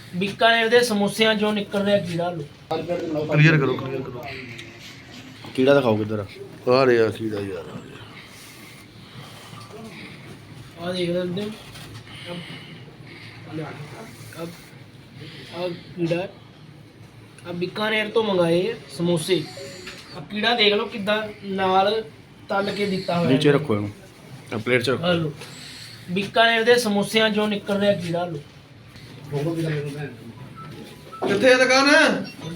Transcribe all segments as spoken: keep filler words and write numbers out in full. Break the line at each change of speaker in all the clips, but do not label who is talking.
बीकानेर दे समोसिਆਂ ਚੋਂ ਨਿਕਲ ਰਿਹਾ ਕੀੜਾ ਲੋ
क्लियर करो क्लियर करो कीड़ा दिखाओ किधर आ रहा है कीड़ा यार
आ देख सकते हो अब अब कीड़ा अब बीकानेर तो मंगाए समोसे अब कीड़ा देख लो किदा नाल तल के दिता हुआ
नीचे रखो इन्हों प्लेट च रखो
लो बीकानेर दे समोसिਆਂ ਚੋਂ ਨਿਕਲ ਰਿਹਾ ਕੀੜਾ ਲੋ
किथे दुकान है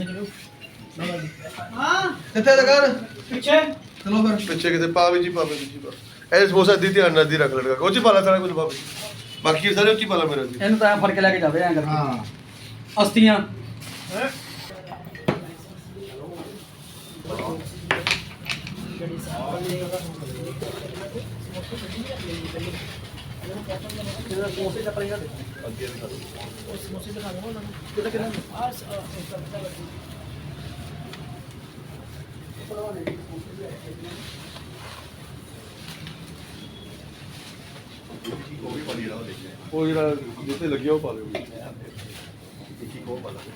हां
किथे दुकान
पीछे
चलो फिर पीछे किथे पावे जी पावे जी पा ऐ समोसा दी ध्यान ना दी रख लड़का कोची पाला सारा कुछ पावे बाकी सारे उची पाला मेरा जी
ਇਹਨੂੰ ਤਾਂ ਫੜ ਕੇ ਲੈ ਕੇ ਜਾਵੇ ਐਂ ਕਰਕੇ ਹਾਂ ਅਸਤੀਆਂ ਸਮੋਸੇ ਚੱਪਲ ਇਹਨਾਂ ਦੇ ਸਮੋਸੇ ਦਿਖਾ ਦਵਾਂ ਉਹਨਾਂ ਨੂੰ ਕਿਹਦਾ ਕਿਹਦਾ ਆ
ਉਹ ਜਿਹੜਾ ਜਿੱਥੇ ਲੱਗਿਆ ਉਹ ਪਾ ਲਿਓ ਦੇਖੀ ਕੋ ਪਾ ਲਾ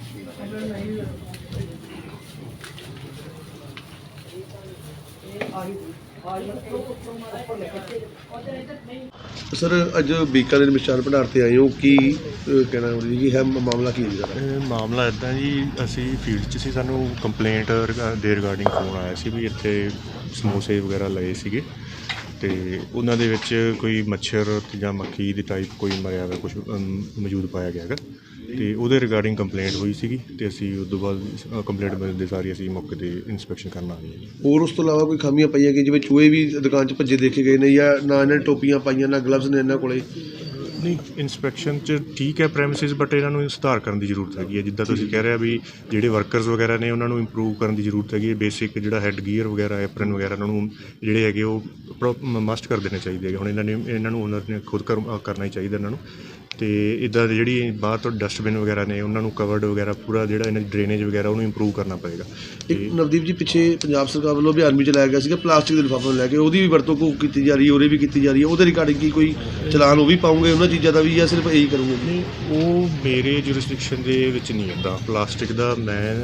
सर अज बीकानेर मिष्ठान भंडार से आए हो की कहना जी है मामला की है जी
ਮਾਮਲਾ ਇੱਦਾਂ ਜੀ ਅਸੀਂ ਫੀਲਡ 'ਚ ਸੀ ਸਾਨੂੰ ਕੰਪਲੇਂਟ ਦੇ ਰਿਗਾਰਡਿੰਗ ਫੋਨ ਆਇਆ ਸੀ ਵੀ ਇੱਥੇ ਸਮੋਸੇ ਵਗੈਰਾ ਲਏ ਸੀਗੇ ਅਤੇ ਉਹਨਾਂ ਦੇ ਵਿੱਚ ਕੋਈ ਮੱਛਰ ਜਾਂ ਮੱਖੀ ਦੀ ਟਾਈਪ ਕੋਈ ਮਰਿਆ ਹੋਇਆ ਕੁਛ ਮੌਜੂਦ ਪਾਇਆ ਗਿਆ ਹੈਗਾ ਅਤੇ ਉਹਦੇ ਰਿਗਾਰਡਿੰਗ ਕੰਪਲੇਂਟ ਹੋਈ ਸੀਗੀ ਅਤੇ ਅਸੀਂ ਉਸ ਤੋਂ ਬਾਅਦ ਕੰਪਲੇਂਟ ਮਿਲਦੇ ਸਾਰੀ ਅਸੀਂ ਮੌਕੇ 'ਤੇ ਇੰਸਪੈਕਸ਼ਨ ਕਰਨ ਆ ਗਏ ਜੀ।
ਹੋਰ ਉਸ ਤੋਂ ਇਲਾਵਾ ਕੋਈ ਖਾਮੀਆਂ ਪਈਆਂ ਕਿ ਜਿਵੇਂ ਚੂਹੇ ਵੀ ਦੁਕਾਨ 'ਚ ਭੱਜੇ ਦੇਖੇ ਗਏ ਨੇ ਜਾਂ ਨਾ ਇਹਨਾਂ ਨੇ ਟੋਪੀਆਂ ਪਾਈਆਂ ਨਾ ਗਲਵਜ਼ ਨੇ ਇਹਨਾਂ ਕੋਲੇ
ਨਹੀਂ ਇੰਸਪੈਕਸ਼ਨ 'ਚ ਠੀਕ ਹੈ ਪ੍ਰੈਮਿਸਿਸ ਬਟ ਇਹਨਾਂ ਨੂੰ ਸੁਧਾਰ ਕਰਨ ਦੀ ਜ਼ਰੂਰਤ ਹੈਗੀ ਹੈ ਜਿੱਦਾਂ ਤੁਸੀਂ ਕਹਿ ਰਹੇ ਵੀ ਜਿਹੜੇ ਵਰਕਰਸ ਵਗੈਰਾ ਨੇ ਉਹਨਾਂ ਨੂੰ ਇੰਪਰੂਵ ਕਰਨ ਦੀ ਜ਼ਰੂਰਤ ਹੈਗੀ ਹੈ ਬੇਸਿਕ ਜਿਹੜਾ ਹੈੱਡ ਗੀਅਰ ਵਗੈਰਾ ਐਪਰਨ ਵਗੈਰਾ ਉਹਨਾਂ ਨੂੰ ਜਿਹੜੇ ਹੈਗੇ ਉਹ ਮਸਟ ਕਰ ਦੇਣੇ ਚਾਹੀਦੇ ਹੈਗੇ ਹੁਣ ਇਹਨਾਂ ਨੇ ਇਹਨਾਂ ਨੂੰ ਓਨਰ ਨੇ ਖੁਦ ਕਰ ਕਰਨਾ ਹੀ ਚਾਹੀਦਾ ਇਹਨਾਂ ਨੂੰ ਅਤੇ ਇੱਦਾਂ ਦੀ ਜਿਹੜੀ ਬਾਹਰ ਤੋਂ ਡਸਟਬਿਨ ਵਗੈਰਾ ਨੇ ਉਹਨਾਂ ਨੂੰ ਕਵਰਡ ਵਗੈਰਾ ਪੂਰਾ ਜਿਹੜਾ ਇਹਨਾਂ ਦੀ ਡਰੇਨੇਜ ਵਗੈਰਾ ਉਹਨੂੰ ਇੰਪਰੂਵ ਕਰਨਾ ਪਏਗਾ।
ਇੱਕ ਨਵਦੀਪ ਜੀ ਪਿੱਛੇ ਪੰਜਾਬ ਸਰਕਾਰ ਵੱਲੋਂ ਅਭਿਆਨ ਵੀ ਚਲਾਇਆ ਗਿਆ ਸੀਗਾ ਪਲਾਸਟਿਕ ਦੇ ਲਿਫਾਫੇ ਨੂੰ ਲੈ ਕੇ ਉਹਦੀ ਵੀ ਵਰਤੋਂ ਕੋ ਕੀਤੀ ਜਾ ਰਹੀ ਹੈ ਉਹਦੇ ਵੀ ਕੀਤੀ ਜਾ ਰਹੀ ਹੈ ਉਹਦੇ ਰਿਗਾਰਡਿੰਗ ਕੀ ਕੋਈ ਚਲਾਨ ਉਹ ਵੀ ਪਾਉਂਗੇ ਉਹਨਾਂ ਚੀਜ਼ਾਂ ਦਾ ਵੀ ਜਾਂ ਸਿਰਫ ਇਹੀ ਕਰੂੰਗੇ?
ਨਹੀਂ ਉਹ ਮੇਰੇ ਜੁਰਿਸਡਿਕਸ਼ਨ ਦੇ ਵਿੱਚ ਨਹੀਂ ਆਉਂਦਾ ਪਲਾਸਟਿਕ ਦਾ ਮੈਂ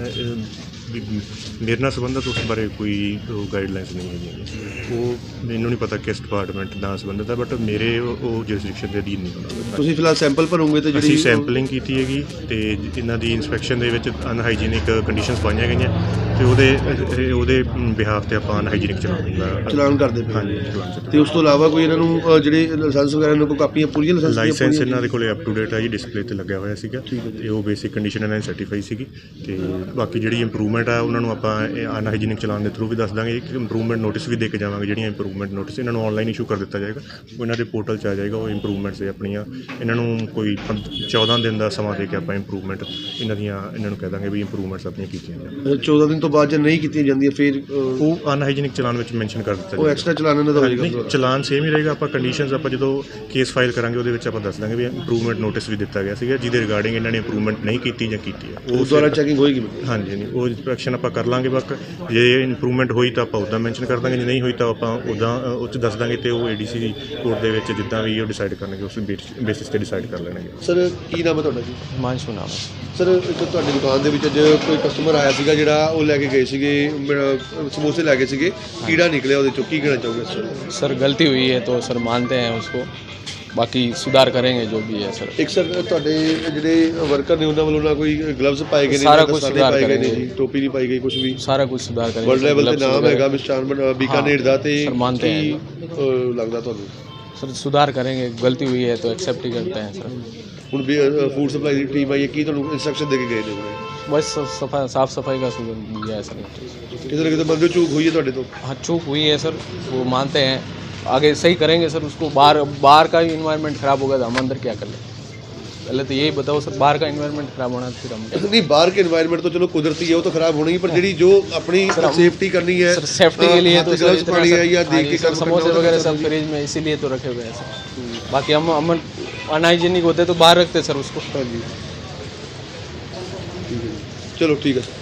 ਵੀ ਮੇਰੇ ਨਾਲ ਸੰਬੰਧਿਤ ਉਸ ਬਾਰੇ ਕੋਈ ਗਾਈਡਲਾਈਨਸ ਨਹੀਂ ਹੈਗੀਆਂ ਉਹ ਮੈਨੂੰ ਨਹੀਂ ਪਤਾ ਕਿਸ ਡਿਪਾਰਟਮੈਂਟ ਨਾਲ ਸੰਬੰਧਿਤ ਹੈ ਬਟ ਮੇਰੇ ਉਹ ਜੁਰਿਸਡਿਕਸ਼ਨ ਦੇ ਅਧੀਨ ਨਹੀਂ ਹੁੰਦਾ।
ਤੁਸੀਂ ਫਿਲਹਾਲ ਸੈਂਪਲ ਭਰੋਗੇ ਤੇ ਜਿਹੜੀ
ਅਸੀਂ ਸੈਂਪਲਿੰਗ ਕੀਤੀ ਹੈਗੀ ਅਤੇ ਇਹਨਾਂ ਦੀ ਇੰਸਪੈਕਸ਼ਨ ਦੇ ਵਿੱਚ ਅਨਹਾਈਜੀਨਿਕ ਕੰਡੀਸ਼ਨਸ ਪਾਈਆਂ ਗਈਆਂ ਅਤੇ ਉਹਦੇ ਉਹਦੇ ਬਿਹਾਫ 'ਤੇ ਆਪਾਂ ਅਨਹਾਈਜੀਨਿਕ ਚਲਾਨ
ਚਲਾਨ ਕਰਦੇ ਪਏ
ਹਾਂਜੀ ਚਲਾਨ
ਅਤੇ ਉਸ ਤੋਂ ਇਲਾਵਾ ਕੋਈ ਇਹਨਾਂ ਨੂੰ ਜਿਹੜੇ ਲਾਇਸੈਂਸ ਵਗੈਰਾ ਇਹਨਾਂ ਕੋਲ ਕਾਪੀਆਂ ਪੂਰੀਆਂ ਲਾਇਸੈਂਸ
ਲਾਇਸੈਂਸ ਇਹਨਾਂ ਦੇ ਕੋਲ ਅਪ ਟੂ ਡੇਟ ਹੈ ਜੀ ਡਿਸਪਲੇ 'ਤੇ ਲੱਗਿਆ ਹੋਇਆ ਸੀਗਾ ਅਤੇ ਉਹ ਬੇਸਿਕ ਕੰਡੀਸ਼ਨ ਇਹਨਾਂ ਦੀ ਸਰਟੀਫਾਈ ਸੀਗੀ ਅਤੇ ਬਾਕੀ ਜਿਹੜੀ ਇੰਪਰੂਵਮੈਂਟ ਆ ਉਹਨਾਂ ਨੂੰ ਆਪਾਂ ਅਨਹਾਈਜੀਨਿਕ ਚਲਾਨ ਦੇ ਥਰੂ ਵੀ ਦੱਸ ਦਾਂਗੇ ਇੱਕ ਇੰਪਰੂਵਮੈਂਟ ਨੋਟਿਸ ਵੀ ਦੇ ਕੇ ਜਾਵਾਂਗੇ ਜਿਹੜੀਆਂ ਇੰਪਰੂਵਮੈਂਟ ਨੋਟਿਸ ਇਹਨਾਂ ਨੂੰ ਆਨਲਾਈਨ ਇਸ਼ੂ ਕਰ ਦਿੱਤਾ ਜਾਏਗਾ ਉਹ ਇਹਨਾਂ ਦੇ ਪੋਰਟਲ 'ਚ ਆ ਜਾਏਗਾ ਉਹ ਇੰਪਰੂਵਮੈਂਟਸ ਆਪਣੀਆਂ ਇਹਨਾਂ ਨੂੰ ਕੋਈ ਚੌਦਾਂ ਦਿਨ ਦਾ ਸਮਾਂ ਦੇ ਕੇ ਆਪਾਂ ਇੰਪਰੂਵਮੈਂਟ ਇਹਨਾਂ ਦੀਆਂ ਇਹਨਾਂ ਨੂੰ ਕਹਿ ਦਾਂਗੇ ਵੀ ਇੰਪਰੂਵਮੈਂਟਸ ਆਪਣੀਆਂ ਕੀਤੀਆਂ ਜਾਣ।
ਚੌਦਾਂ ਦਿਨ ਤੋਂ ਬਾਅਦ ਜੇ ਨਹੀਂ ਕੀਤੀਆਂ ਜਾਂਦੀਆਂ ਫਿਰ
ਉਹ ਅਨਹਾਈਜੀਨਿਕ ਚਲਾਨ ਵਿੱਚ ਮੈਂਸ਼ਨ ਕਰ ਦਿੱਤਾ
ਉਹ ਐਕਸਟਰਾ ਚਲਾਨ ਇਹਨਾਂ ਦਾ ਹੋਏਗਾ?
ਚਲਾਨ ਸੇਮ ਹੀ ਰਹੇਗਾ ਆਪਾਂ ਕੰਡੀਸ਼ਨਸ ਆਪਾਂ ਜਦੋਂ ਕੇਸ ਫਾਈਲ ਕਰਾਂਗੇ ਉਹਦੇ ਵਿੱਚ ਆਪਾਂ ਦੱਸ ਦਾਂਗੇ ਵੀ ਇੰਪਰੂਵਮੈਂਟ ਨੋਟਿਸ ਵੀ ਦਿੱਤਾ ਗਿਆ ਸੀਗਾ ਜਿਹਦੇ ਰਿਗਾਰਡਿੰਗ ਇਹਨਾਂ ਨੇ ਇੰਪਰੂਵਮੈਂਟ ਨਹੀਂ ਕੀਤੀ ਜਾਂ ਕੀਤੀ ਹੈ
ਉਹ ਦੁਆਰਾ ਚੈਕਿੰਗ ਹੋਏਗੀ?
ਹਾਂਜੀ ਨਹੀਂ ਉਹ ਇੰਸਪੈਕਸ਼ਨ ਆਪਾਂ ਕਰ ਲਾਂਗੇ ਬਾਕੀ ਜੇ ਇੰਪਰੂਵਮੈਂਟ ਹੋਈ ਤਾਂ ਆਪਾਂ ਉੱਦਾਂ ਮੈਂਸ਼ਨ ਕਰ ਦਾਂਗੇ ਜੇ ਨਹੀਂ ਹੋਈ ਤਾਂ ਆਪਾਂ ਉੱਦਾਂ ਉਹ 'ਚ ਦੱਸ ਦਾਂਗੇ ਅਤੇ ਉਹ ਏ ਡੀ ਸੀ ਕੋਰਟ ਦੇ ਵਿੱਚ ਜਿੱਦਾਂ ਵੀ ਉਹ ਡਿਸਾਈਡ ਕਰਨਗੇ ਉਸ ਬੇਸਿਸ 'ਤੇ ਡਿਸਾਈਡ ਕਰ ਲੈਣਗੇ।
ਸਰ ਕੀ ਨਾਮ ਹੈ ਤੁਹਾਡਾ ਜੀ?
ਹਿਮਾਂਸ਼ੂ ਨਾਮ
ਸਰ ਇੱਕ ਤੁਹਾਡੀ ਦੁਕਾਨ ਦੇ ਵਿੱਚ ਅੱਜ ਕੋਈ ਕਸਟਮਰ ਆਇਆ ਸੀਗਾ ਜਿਹੜਾ ਉਹ ਲੈ ਕੇ ਗਏ ਸੀਗੇ ਸਮੋਸੇ ਲੈ ਗਏ ਸੀਗੇ ਕੀੜਾ ਨਿਕਲਿਆ ਉਹਦੇ ਚੋਂ ਕੀ ਕਹਿਣਾ ਚਾਹੋਗੇ ਸਰ?
सर गलती हुई है तो सर मानते हैं उसको बाकी सुधार करेंगे जो भी है सर।
ਇੱਕ ਸਰ ਤੁਹਾਡੇ ਜਿਹੜੇ ਵਰਕਰ ਨੇ ਉਹਨਾਂ ਵੱਲੋਂ ਨਾ ਕੋਈ ਗਲਵਜ਼ ਪਾਏ ਗਏ ਨੇ
ਸਾਰਾ
ਨਾ
ਕੁਛ
ਦਸਤਾਨੇ
ਸੁਧਾਰ
ਪਾਏ ਗਏ ਨੇ
ਕਰਾਂਗੇ।
ਜੀ ਟੋਪੀ ਨਹੀਂ ਪਾਈ ਗਈ ਕੁਝ ਵੀ
सारा कुछ सुधार करेंगे
ਵਰਲਡ ਲੈਵਲ ਤੇ
gloves
ਨਾਮ
वगैरह-
ਹੈਗਾ ਮਿਸਟਰ ਬੀਕਾਨੇਰ ਦਾ ਤੇ
ਸਰ ਮੰਨਦੇ
ਕੀ,
हैं
ਅਹ, ਲੱਗਦਾ ਤੁਹਾਨੂੰ
सर सुधार करेंगे गलती हुई है तो एक्सेप्ट ही करते हैं सर।
ਹੁਣ ਫੂਡ ਸਪਲਾਈ ਦੀ ਟੀਮ ਆਈ ਹੈ ਕੀ ਤੁਹਾਨੂੰ ਇੰਸਟਰਕਸ਼ਨ ਦੇ ਕੇ ਗਏ ਨੇ ਉਹਨੇ
बस सफाई साफ सफाई का सुधार दिया है सर।
ਕਿਤੇ ਨਾ ਕਿਤੇ ਮੰਨਦੇ ਹੋ ਚੂਕ ਹੋਈ ਹੈ ਤੁਹਾਡੇ ਤੋਂ?
हाँ चूक हुई है सर वो मानते हैं आगे सही करेंगे सर उसको बाहर बाहर का भी इन्वायरमेंट ख़राब होगा तो हम अंदर क्या कर लें पहले तो यही बताओ सर बाहर का इन्वायरमेंट ख़राब होना फिर हम क्या
नहीं बाहर के इन्वायरमेंट तो चलो कुदरती है वो तो खराब होना ही पर जी जो अपनी सेफ्टी करनी है
सर सेफ्टी के लिए तो सर
ग्लव्स
इतना
पानी है
सर-
या
हाँ
देख
जी,
के
सर
काम
समोसे
करना होता
वगैरह
है
सब फ्रिज में इसीलिए तो रखे हुए हैं सर। बाकी हम हम अनहाइजीनिक होते तो बाहर रखते सर उसको।
चलो ठीक है।